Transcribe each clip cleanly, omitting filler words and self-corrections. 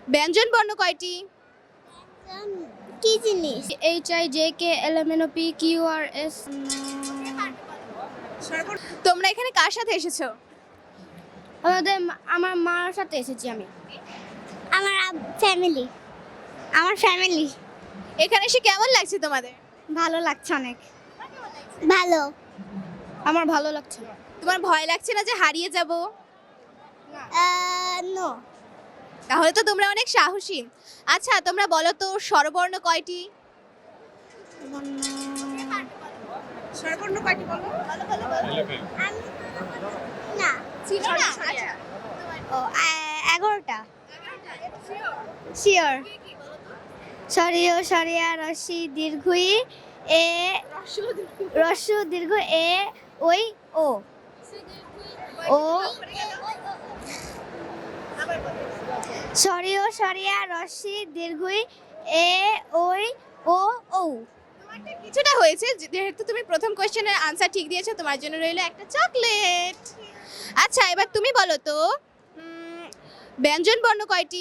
ব্যঞ্জন বর্ণ কয়টি? কি জিনিস? HIJKLMNOPQRS তোমরা এখানে কার সাথে এসেছো? আমার মার সাথে এসেছি আমি। আমার ফ্যামিলি। এখানে এসে কেমন লাগছে তোমাদের? ভালো লাগছে অনেক। ভালো। আমার ভালো লাগছে। তোমার ভয় লাগছে না যে হারিয়ে যাব? নো। তাহলে তো তোমরা অনেক সাহসী। আচ্ছা তোমরা বলো তো স্বরবর্ণ কয়টি? স্বরবর্ণ কয়টি বলো? না। ছিল না? আচ্ছা। ও 11টা। শিওর। সরিয় সরিয়া রসি দীর্ঘই এ রস্য দীর্ঘ এ ওই ও ও সরিয় সরিয়া রসি দীর্ঘই এ ওই ও ও। তোমারটা কিছুটা হয়েছে যেহেতু তুমি প্রথম কোশ্চেনের আনসার ঠিক দিয়েছো, তোমার জন্য রইলো একটা চকলেট। আচ্ছা এবার তুমি বলো তো ব্যঞ্জন বর্ণ কয়টি?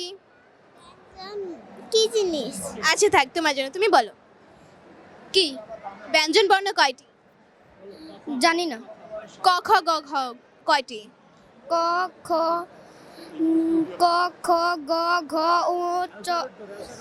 কি জিনিস? আচ্ছা থাক তোমার জন্য, তুমি বলো কি ব্যঞ্জন বর্ণ কয়টি? জানি না। ক খ গ ঘ কয়টি? ক খ ক খ গ ঘ ও চ চ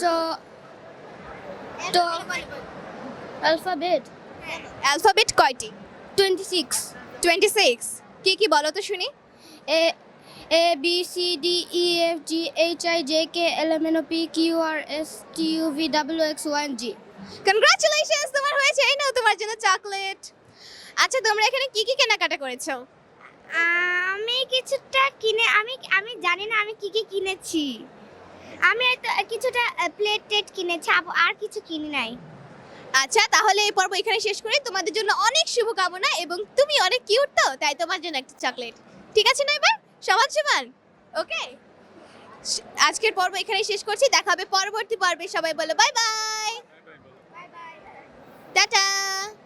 ট অ্যালফাবেট অ্যালফাবেট কয়টি? 26 26। কি কি বলো তো শুনি? A A B C D E F G H I J K L M N O P Q R S T U V W X Y and Z। Congratulations, তোমার হয়েছে। এই নাও তোমার জন্য চকলেট। আচ্ছা তোমরা এখানে কি কি কেনাকাটা করেছো? আমি কিছুটা কিনে আমি জানি না আমি কি কি কিনেছি। আমি কিছুটা প্লেট টেট কিনেছি, আর কিছু কিনি নাই। আচ্ছা তাহলে এই পর্ব এখানে শেষ করি। তোমাদের জন্য অনেক শুভকামনা এবং তুমি অনেক কিউট, তো তাই তোমার জন্য একটা চকলেট। ঠিক আছে না? এবার সমান সমান। ওকে, আজকের পর্ব এখানেই শেষ করছি। দেখা হবে পরবর্তী পর্বে। সবাই বলো বাই বাই। টাটা।